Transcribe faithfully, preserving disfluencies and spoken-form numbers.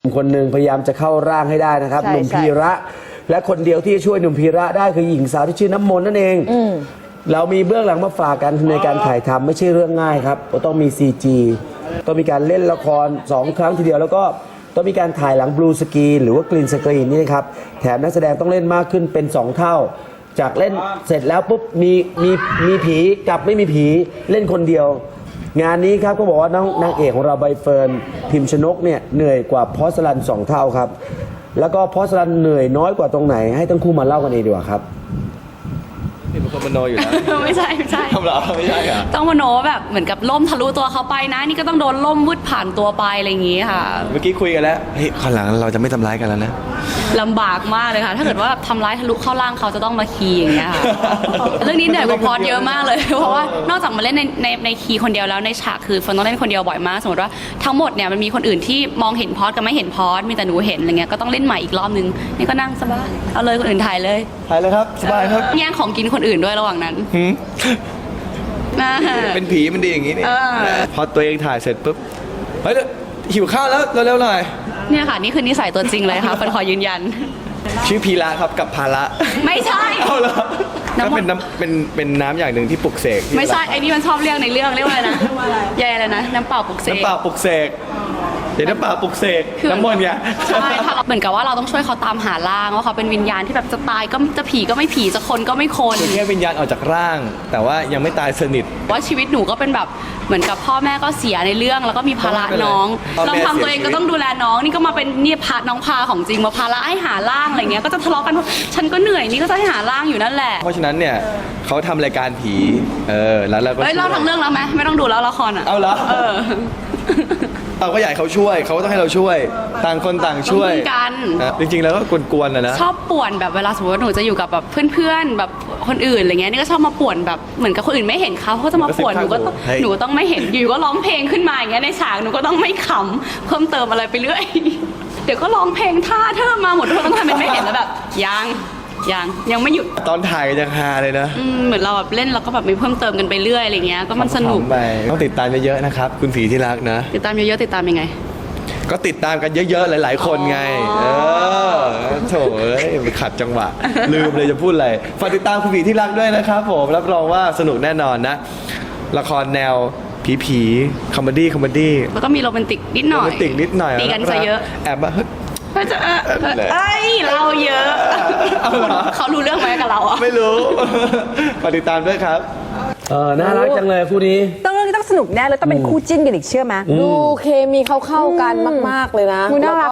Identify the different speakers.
Speaker 1: คนหนึ่งพยายามจะเข้าร่างให้ได้นะครับ
Speaker 2: ใช่
Speaker 1: หนุ่มพีระ และคนเดียวที่จะช่วยหนุ่มพีระได้คือหญิงสาวที่ชื่อน้ำมนต์นั่นเองเรามีเบื้องหลังมาฝากกันในการถ่ายทำไม่ใช่เรื่องง่ายครับต้องมี ซี จี ต้องมีการเล่นละครสองครั้งทีเดียวแล้วก็ต้องมีการถ่ายหลังบลูสกรีนหรือว่ากรีนสกรีนนี่นะครับแถมนักแสดงต้องเล่นมากขึ้นเป็นสองเท่า จากเล่นเสร็จแล้วปุ๊บมีมีมีผีกับไม่มีผีเล่นคนเดียว งานนี้ครับก็บอกว่าน้องนางเอกของเราใบเฟิร์นพิมพ์ชนกเนี่ยเหนื่อยกว่าพอสลันสองเท่าครับแล้วก็พอสลันเหนื่อยน้อยกว่าตรงไหนให้ทั้งคู่มาเล่ากันเองดีกว่าครับ
Speaker 3: นี่เป็นคนมโนอยู่แล้ว
Speaker 4: ไม่ใช่ไม่ใช่
Speaker 3: ทำเหรอไม่ใช่ค่ะ
Speaker 4: ต้องมโนแบบเหมือนกับล่มทะลุตัวเขาไปนะ นี่ก็ต้องโดนล่มวืดผ่านตัวไปอะไรอย่างงี้ค่ะ
Speaker 3: เมื่อกี้คุยกันแล้วเฮ้ยข้างหลังเราจะไม่ทำร้ายกันแล้วนะ
Speaker 4: ลำบากมากเลยค่ะ ถ้าเกิดว่าทำร้ายทะลุเข้าร่างเขาจะต้องมาคีย์อย่างเงี้ยค่ะ เรื่องนี้เหนื่อยกว่าพอดเยอะมากเลย เพราะว่านอกจากมาเล่นในในในคีย์คนเดียวแล้วในฉากคือเฟิร์นต้องเล่นคนเดียวบ่อยมาก สมมติว่าทั้งหมดเนี่ยมันมีคนอื่นที่มองเห็นพอดกับไม่เห็นพอดมีแต่หนูเห็นอะไรเงี้ยก็ต้องเล่นใหม่อีกรอบนึงนี่ก็นั่งสบายเอาเลยคนอื่นถ่ายเลย
Speaker 3: ถ่ายเลยครับ สบายครับ
Speaker 4: แย่งของกินคนอื่นด้วยระหว่างนั้น
Speaker 3: หืม
Speaker 4: อ่า
Speaker 3: เป็นผีมันดีอย่างนี้นี่
Speaker 4: เออ
Speaker 3: พอตัวเองถ่ายเสร็จปุ๊บ เฮ้ยหิวข้าวแล้วเร็วๆหน่อย
Speaker 4: เนี่ยค่ะนี่คือนิสัยตัวจริงเลยค่ะเฟิร์นขอยืนยัน
Speaker 3: ชื่อพีระครับกับภาระ
Speaker 4: ไม่ใช่
Speaker 3: เอาเหรอ
Speaker 4: น้ำ
Speaker 3: ก็
Speaker 4: มัน
Speaker 3: เป็นน้ำเป็นเป็นน้ำอย่างหนึ่งที่ปลุกเสก
Speaker 4: ไม่ใช่ไอ้นี่มันชอบเรียกในเรื่องเรียกว่าอะไรนะยายอะไรนะน้ำเปล่าปลุกเสก
Speaker 3: น้ำเปล่าปลุกเสกเดี๋ยวน้ำเปล่าปลุกเสก
Speaker 4: คือ
Speaker 3: น้ำมนต์ไง
Speaker 4: ใช่ถ้าเราเหมือนกับว่าเราต้องช่วยเขาตามหาร่างว่าเขาเป็นวิญญาณที่แบบจะตายก็จะผีก็ไม่ผีจะคนก็ไม่คน
Speaker 3: คือแค่วิญญาณออกจากร่าง แต่ว่ายังไม่ตายสนิท
Speaker 4: ว่าชีวิตหนูก็เป็นแบบเหมือนกับพ่อแม่ก็เสียในเรื่องแล้วก็มีภาระน้อง
Speaker 3: พ่อแม่
Speaker 4: ลองทำตัวเอง
Speaker 3: เสียชีวิต
Speaker 4: ก็ต้องดูแลน้องนี่ก็มาเป็นเนี่ยพาน้องพาของจริงมาภาระให้หาร่างอะไรเงี้ยก็จะทะเลาะกันว่าฉันก็เหนื่อยนี่ก็จะให้หาร่างอยู่นั่นแหละ
Speaker 3: เพราะฉะนั้นเนี่ยเขาทำรายการผี เออ แล้วเราก็
Speaker 4: เอ้ยเล่าทั้งเรื่องแล้วไหมไม่ต้องดูแล้วละครอ่ะ
Speaker 3: เอาเหรอ
Speaker 4: เออ
Speaker 3: เราก็อยากให้เขาช่วย เขาก็ต้องให้เราช่วย ต่างคนต่างช่วย
Speaker 4: ต้องพึ่งกัน
Speaker 3: นะจริงๆ แล้วก็กวนๆนะนะ
Speaker 4: ชอบป่วนแบบเวลาสมมติว่าหนูจะอยู่กับแบบเพื่อนๆแบบคนอื่นอะไรเงี้ยนี่ก็ชอบมาป่วนแบบเหมือนกับคนอื่นไม่เห็นเขาเขาก็จะมาป่วนหนูก็ต้อง
Speaker 3: เฮ้ย
Speaker 4: หนูก็ต้องไม่เห็นอยู่ก็ร้องเพลงขึ้นมาอย่างเงี้ยในฉากหนูก็ต้องไม่ขำเพิ่มเติมอะไรไปเรื่อย เดี๋ยวก็ร้องเพลงท่าเธอมาหมดทุกคนต้องทำเป็นไม่เห็นแล้วแบบยังยังยังไม่หยุด
Speaker 3: ตอนถ่ายยังฮาเลยนะ
Speaker 4: อืมเหมือนเราแบบเล่นแล้วก็แบบมีเพิ่มเติมกันไปเรื่อยอะไรเงี้ยก็มันสนุก
Speaker 3: ขำๆไปต้องติดตามเยอะๆนะครับ คุณผีที่รักนะ
Speaker 4: ติดตามเยอะๆติดตามยังไง
Speaker 3: ก็ติดตามกันเยอะๆ หลายๆ คนไง
Speaker 4: อ๋
Speaker 3: เอ
Speaker 4: อ
Speaker 3: อโถเอ้ยไปขัดจังหวะ ลืมเลยจะพูดอะไร ฝากติดตามคุณผีที่รักด้วยนะครับผม รับรองว่าสนุกแน่นอนนะ ละครแนวผีผีคอมเมดี้คอมเมดี้
Speaker 4: แล้วก็มีโรแมนติกนิดหน่อย
Speaker 3: โรแมนติกนิดหน่อย
Speaker 4: ตีกันซะเยอะ
Speaker 3: แอบมาเฮ้ย
Speaker 4: เฮ้ยจะเออเออเอ้ยเราเยอะ
Speaker 3: เอาเหรอ
Speaker 4: เขารู้เรื่องไหมกับเราอ่ะ
Speaker 3: ไม่รู้ ฝากติดตามด้วยครับ
Speaker 1: เออน่ารักจังเลยคู่นี้
Speaker 2: ต้องเรื่องนี้ต้องสนุกแน่เลยต้องเป็นคู่จิ้นกันอีกเชื่อไหม
Speaker 5: ดูเคมีเขาเข้ากันมาก ๆ เลยนะ
Speaker 2: ดูน่ารัก